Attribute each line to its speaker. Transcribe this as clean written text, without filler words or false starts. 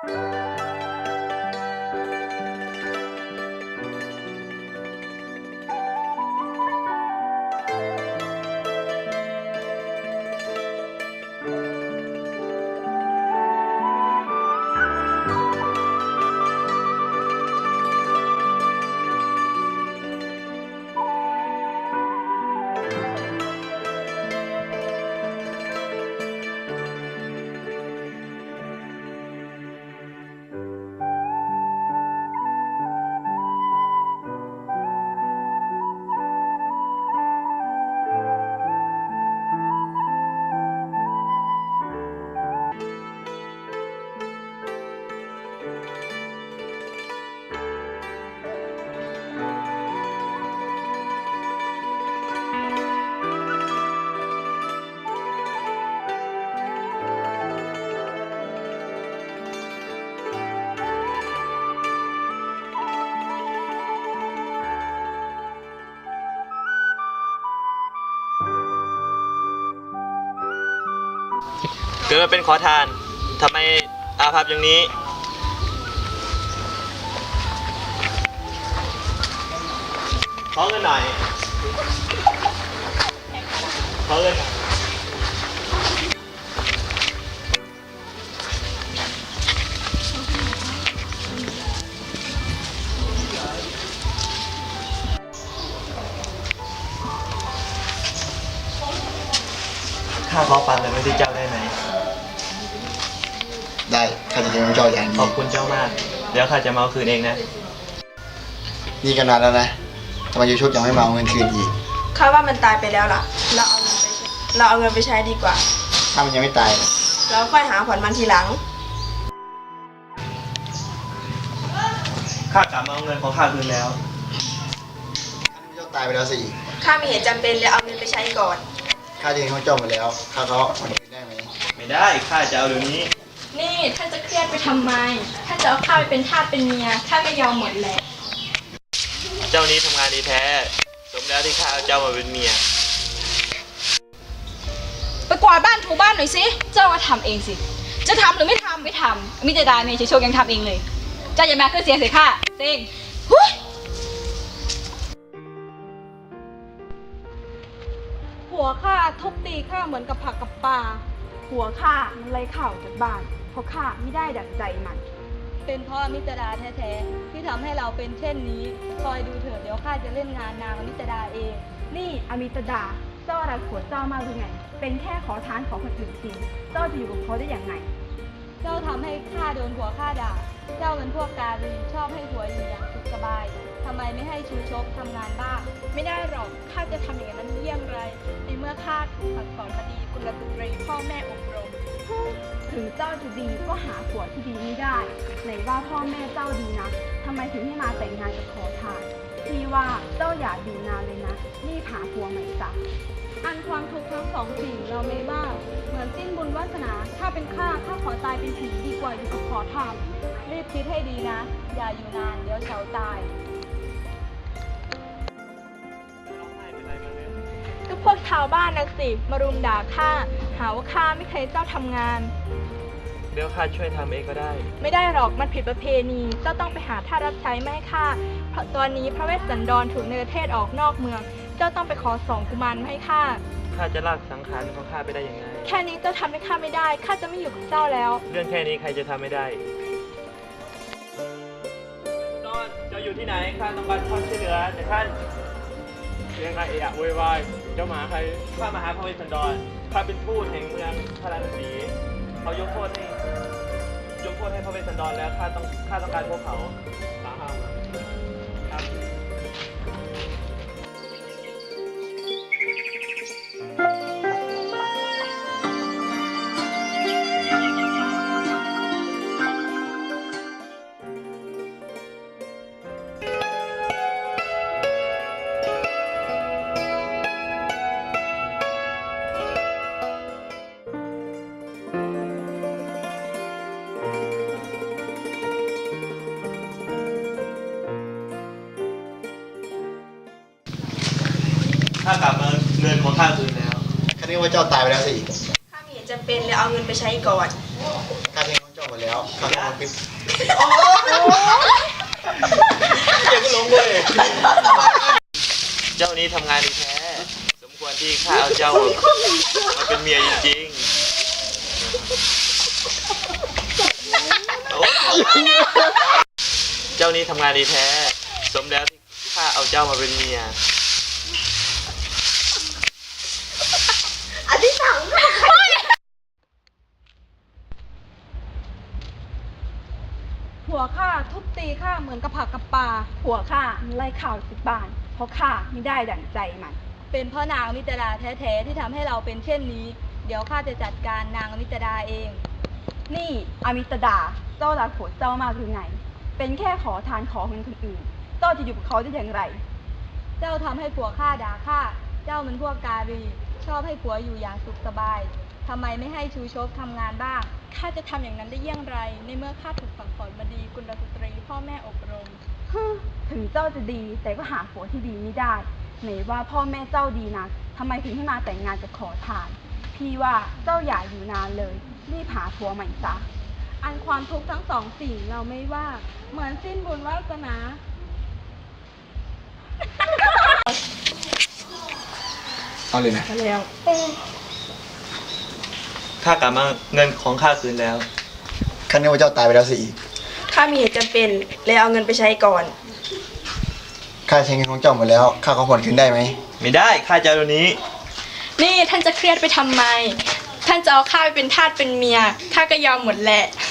Speaker 1: เกิดมาเป็นขอทานทำไมอาภัพอย่างนี้ขอเงินหน่อยขอเงินหน่อยข้าขอปันเลยไม่ได้เจ้าได้ไหม
Speaker 2: ได้ข้าจะเลี้ยงเจ้าอย่างดี
Speaker 1: ขอบคุณเจ้ามากเดี๋ยวข้าจะมาเอาคืนเองนะ
Speaker 2: นี่กันนานแล้วนะทำไมยูชุบยังไม่มาเอาเงินคืนอีก
Speaker 3: ข้าว่ามันตายไปแล้วล่ะเราเอาเงินไปใช้ดีกว่า
Speaker 2: ถ้ามันยังไม่ตาย
Speaker 3: เราค่อยหาผ่อนมันทีหลัง
Speaker 1: ข้ากลับมาเอาเงินของข้าคืนแล้ว
Speaker 2: เจ้าตายไปแล้วสิ
Speaker 3: ข้ามีเหตุจำเป็นเลยเอาเงินไปใช้ก่อน
Speaker 2: ข้าจะเลี้ยงเจ้าหมดแล้วข้าเขาผ่อนคืนได้ไหม
Speaker 1: ไม่ได้ข้าจะเอาเดี๋ยวนี้
Speaker 4: นี่ท่านจะเครียดไปทำไมถ้าจะเอาข้าไปเป็นทาสเป็นเมียข้าก็ยอมหมดแหละ
Speaker 1: เจ้านี้ทำงานดีแท้สมแล้วที่ข้าเอาเจ้ามาเป็นเมีย
Speaker 4: ไปกวาดบ้านถูบ้านหน่อยสิเจ้าก็ทำเองสิจะทำหรือไม่ทำไม่ทำมิจะได้เมย์โชคยังทำเองเลยเจ้าอย่ามาขึ้นเสียงเสียข้าเซ็งหัวข้าทุบตีข้าเหมือนกับผักกับปลาหัวข้ามันไล่ข่าวจากบ้านเพราะข้าไม่ได้ดั่งใจมันเป็นเพราะมิตรดาแท้ๆที่ทำให้เราเป็นเช่นนี้คอยดูเถิดเดี๋ยวข้าจะเล่นงานนางมิตรดาเองนี่อมิตรดาเจ้าอะไรผัวเจ้ามากหรือไงเป็นแค่ขอทานของคนอื่นจริงเจ้าจะอยู่กับเขาได้อย่างไงเจ้าทำให้ข้าโดนผัวข้าด่าเจ้าเป็นพวกการีชอบให้ผัวอยู่อย่างสุขสบายทำไมไม่ให้ชูชกทำงานบ้างไม่ได้หรอกข้าจะทำอย่างนั้นเยี่ยมไรในเมื่อข้าถูกสั่งสอนมาดีกุลสตรีพ่อแม่อบรมถึงเจ้าจะดีก็หาผัวที่ดีไม่ได้ไหนว่าพ่อแม่เจ้าดีนะทำไมถึงให้มาแต่งงานกับขอทานพี่ว่าเจ้าอย่าอยู่นานเลยนะรีบหาผัวใหม่ซะอันความทุกข์ทั้งสองสิ่งเราไม่บ้าเหมือนสิ้นบุญวาสนาถ้าเป็นข้าขอตายเป็นผีดีกว่าอยู่กับขอทานรีบคิดให้ดีนะอย่าอยู่นานเดี๋ยวเฉาตายก็พวกชาวบ้านนะสิมารุมด่าข้าหาว่าข้าไม่เคยเจ้าทำงาน
Speaker 1: เดี๋ยวข้าช่วยทำเองก็ได้
Speaker 4: ไม่ได้หรอกมันผิดประเพณีเจ้าต้องไปหาท่ารับใช้ไม่ให้ข้าเพราะตอนนี้พระเวสสันดรถูกเนรเทศออกนอกเมืองเจ้าต้องไปขอสองกุมารมาให้ข้า
Speaker 1: จะลากสังขารของข้าไปได้ยังไง
Speaker 4: แค่นี้เจ้าทำให้ข้าไม่ได้ข้าจะไม่อยู่กับเจ้าแล้ว
Speaker 1: เรื่องแค่นี้ใครจะทำไม่ได้นอนเจ้าอยู่ที่ไหนข้าต้องการความช่วยเหลือแต่ท่านยังไงโวยวายเจ้ามาใครข้ามาหาพระเวสสันดรข้าเป็นทูตแห่งเมืองพาราณสีเขายกโทษให้พระเวสสันดรแล้วข้าต้องการพวกเขาตามมาครับข้ากลับมาเงินของข้าคืนแล้ว
Speaker 2: ข้าคิดว่าเจ้าตายไปแล้วสิ
Speaker 3: ข้ามีเหตุจำเป็นเลยเอาเงินไปใช้ก่อน
Speaker 2: ข้าจะเลี้ยงเจ้าจ้าหมดแล้วข้าขอผ่อนคืน
Speaker 1: เก็บลงเลยเจ้านี้ทำงานดีแท้สมควรที่ข้าเอาเจ้ามาเป็นเมียจริงๆเจ้านี้ทำงานดีแท้สมแล้วที่ข้าเอาเจ้ามาเป็นเมีย
Speaker 4: ผัวข้าทุบตีข้าเหมือนกับผักกับปลาผัวข้าไล่ข่าวจากบ้าน เพราะข้าไม่ได้ดั่งใจมัน เป็นเพราะนางอมิตราแท้ๆที่ทำให้เราเป็นเช่นนี้ เดี๋ยวข้าจะจัดการนางอมิตราเอง นี่อมิตราเจ้ารักผัวเจ้ามากหรือไง เป็นแค่ขอทานขอเงินคนอื่น เจ้าจะอยู่กับเขาได้อย่างไร เจ้าทำให้ผัวข้าด่าข้า เจ้ามันพวกการี ชอบให้ผัวอยู่อย่างสุขสบาย ทำไมไม่ให้ชูชกทำงานบ้าง ข้าจะทำอย่างนั้นได้อย่างไร ในเมื่อข้าถูกสั่งสอนมาดีกุลสตรีพ่อแม่อบรม ถึงเจ้าจะดีแต่ก็หาผัวที่ดีไม่ได้ ไหนว่าพ่อแม่เจ้าดีนะทำไมถึงให้มาแต่งงานกับขอทาน พี่ว่าเจ้าอย่าอยู่นานเลย รีบหาผัวใหม่ซะ อันความทุกข์ทั้งสองสิ่งเราไม่ว่า เหมือนสิ้นบุญวาสนา
Speaker 2: เอาเลยนะ
Speaker 3: แล้ว
Speaker 1: ข้ากลับมาเงินของข้าคืนแล้ว
Speaker 2: ข้านึกว่าเจ้าตายไปแล้วสิอีก
Speaker 3: ข้ามีเหตุจำเป็นเลยเอาเงินไปใช้ก่อน
Speaker 2: ข้าใช้เงินของเจ้าหมดแล้วข้าขอผ่อนคืนได้ไหม
Speaker 1: ไม่ได้ข้าจะเอาตัวนี้
Speaker 5: นี่ท่านจะเครียดไปทำไม ท่านจะเอาข้าไปเป็นทาสเป็นเมีย ข้าก็ยอมหมดแหละ